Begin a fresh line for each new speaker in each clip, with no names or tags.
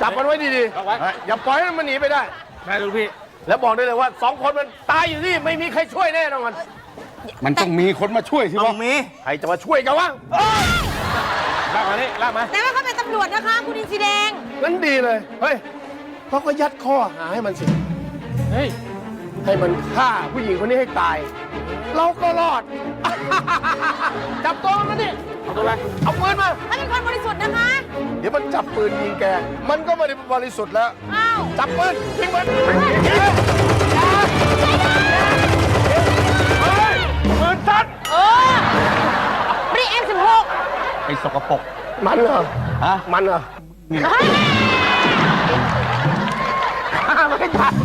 จับมันไว้ดีๆอย่าปล่อยให้มันหนีไปได้ได้ลูกพี่แล้วบอกได้เลยว่า2 คนมันตายอยู่ที่ไม่มีใครช่วยแน่นอน
มันต้องมีคนมาช่วยสิต้องมี
ใครจะมาช่วยกันวะลากมานี่ลากมา
แต่ว่าเขาเป็นตำรวจนะคะคุณอินทรีแดง
งั้นดีเลยเฮ้ยเขาก็ยัดข้อหาให้มันสิเฮ้ยให้มันฆ่าผู้หญิงคนนี้ให้ตายเราก็รอดจับตัวมันดิเอาตัวอะไรเอาปืนมา
ถ้าเป็นคนบริสุทธิ์นะคะ
เดี๋ยวมันจับปืนยิงแกมันก็ไม่ได้บริสุทธิ์แล้ว
อ้าว
จับปืนยิงมันปืนสั้น
ไม่ได้ M16
ไอ้สกปรก
มันเหรอฮะมันเหรอไม่จับ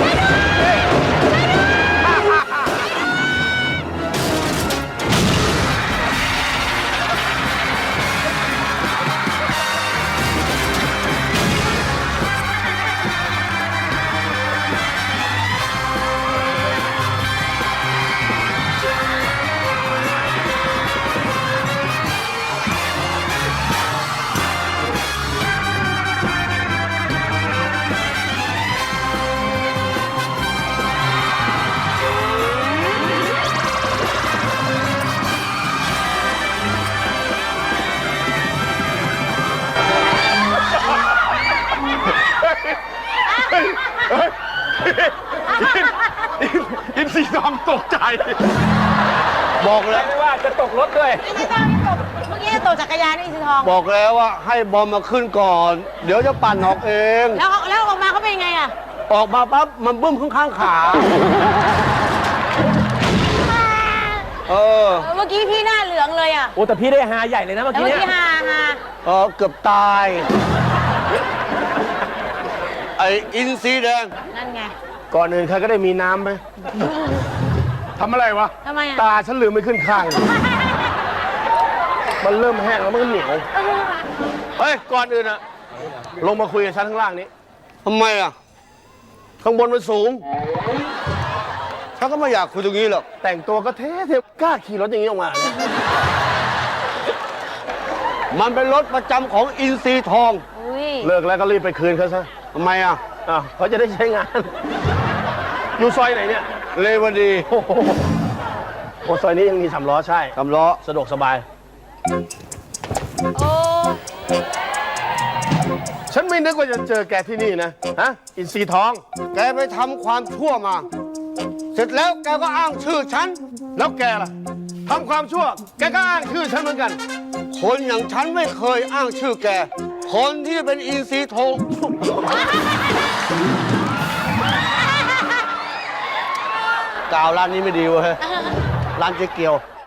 อินทรีทองตกใจบอกเลยว่าจะตกรถด้วย
ไม่ใช่ตกเมื่อกี้ตกจักรยานนี่อินทรีทอง
บอกแล้วว่าให้บอมมาขึ้นก่อนเดี๋ยวจะปั่นออกเอง
แล้วออกมาเขาเป็นไงอ่ะ
ออกมาปั๊บมันบึ้มข้างขา
เมื่อกี้พี่หน้าเหลืองเลยอ่ะ
โอ้แต่พี่ได้ฮาใหญ่เลยนะเมื่อกี้เนี่ย
เกือบตายไออินทรีแดง
นั่นไง
ก่อนอื่นใครก็ได้มีน้ำไหมทำอะไรวะ
ทำไมอ่ะ
ตาฉันลืมไม่ขึ้นข้างมันเริ่มแห้งแล้วมันเหนียวเฮ้ยก่อนอื่นอะลงมาคุยกับฉันข้างล่างนี้
ทำไมอะ
ข้างบนมันสูง
ฉันก็ไม่อยากคุยตรงนี้หรอก
แต่งตัวก็เท่กล้าขี่รถอย่างนี้ออกมา
มันเป็นรถประจำของอินทรีทอง
เลิกแล้วก็รีบไปคืนเขาซะ
ทำไมอ่ะ
เขาจะได้ใช้งานอยู่ซอยไหนเนี่ย
เลวดี
โอ้ซอยนี้ยังมี3 ล้อใช่
3 ล้อ
สะดวกสบาย
โอ้
ฉันไม่นึกว่าจะเจอแกที่นี่นะฮะอินทรีทอง
แกไปทำความชั่วมาเสร็จแล้วแกก็อ้างชื่อฉัน
แล้วแกล่ะทำความชั่วแกก็อ้างชื่อฉันเหมือนกัน
คนอย่างฉันไม่เคยอ้างชื่อแกคนที่เป็นอินทรีทองกล่าวร้านนี้ไม่ดีเว้ยร้านเจ๊เกียว